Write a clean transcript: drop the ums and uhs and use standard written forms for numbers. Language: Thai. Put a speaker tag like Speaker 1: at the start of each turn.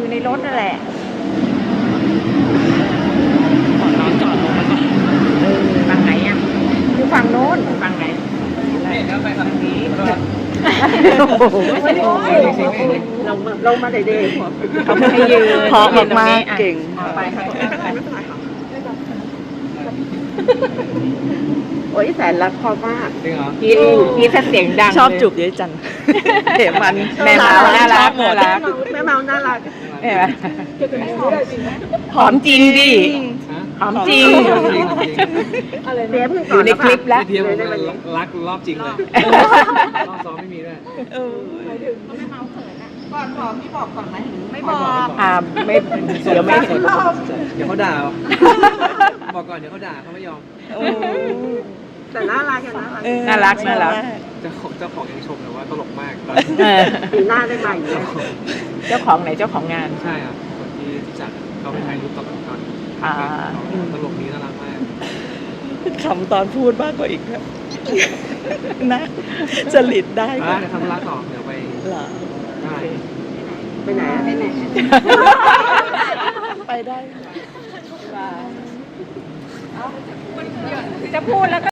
Speaker 1: อยู่ในรถนั่นแหละ
Speaker 2: น้องจอดลงมาก่อนฝั่งไหนอ่ะ
Speaker 1: อยู่ฝั่งโน้น
Speaker 2: ฝั่งไหน
Speaker 3: นี่แล้วไปทางนี้
Speaker 1: ลงมาเด็ก
Speaker 2: เขาไม่ให้ยืน
Speaker 1: พร้อมมากเก่ง
Speaker 2: ไปค่ะ
Speaker 1: โอ้ยแสนรักพ่อมาก
Speaker 3: จริงเหรอ
Speaker 2: กินถ้าเสียงดัง
Speaker 4: ชอบจูบเยอะจังเห็นมัน
Speaker 2: แม่เมาน่ารักน่ารัก
Speaker 1: แม่เมาน่ารัก
Speaker 2: เห็นไหมหอมจริงดิ
Speaker 3: ฮะ
Speaker 2: หอมจริง
Speaker 3: จริง
Speaker 1: เดี๋ยวเพิ่ง
Speaker 2: อยู่ในคลิปแล้ว
Speaker 3: พี่เทียบผมรักรอบจริงเลยรอบซ้อมไม่มีด้วย
Speaker 1: ก่อนบอกพี่บอกก่อนไหมไม่
Speaker 3: บบ อ
Speaker 1: อก ก
Speaker 2: ไม่เดี๋ยวไม่
Speaker 3: เดี๋ยวเขาด่าบอกก่อนเดี๋ยวเขาด่าเขาไม่ยอม
Speaker 1: แต่น่ารักอย่างน่ารัก
Speaker 2: น่ารัก
Speaker 3: เจ้าของยังชมเลยว่าตลกมาก
Speaker 2: เออ
Speaker 1: ปีหน้าได้ใหม่เลย
Speaker 2: เจ้าของไหนเจ้าของงาน
Speaker 3: ใช่ครับคนที่จัดเขาไปถ่ายรูปตอน
Speaker 2: อ่า
Speaker 3: ตลกนี้น่ารักมาก
Speaker 4: คำตอนพูดมากกว่าอีกครับนะจริตได้
Speaker 3: เดี๋ยวทำธุระต่อเดี๋ยวไป
Speaker 4: เหรอ
Speaker 3: ได้
Speaker 1: ไปไหนไปไหน
Speaker 4: ไปได้
Speaker 2: จะพูดแล้วก็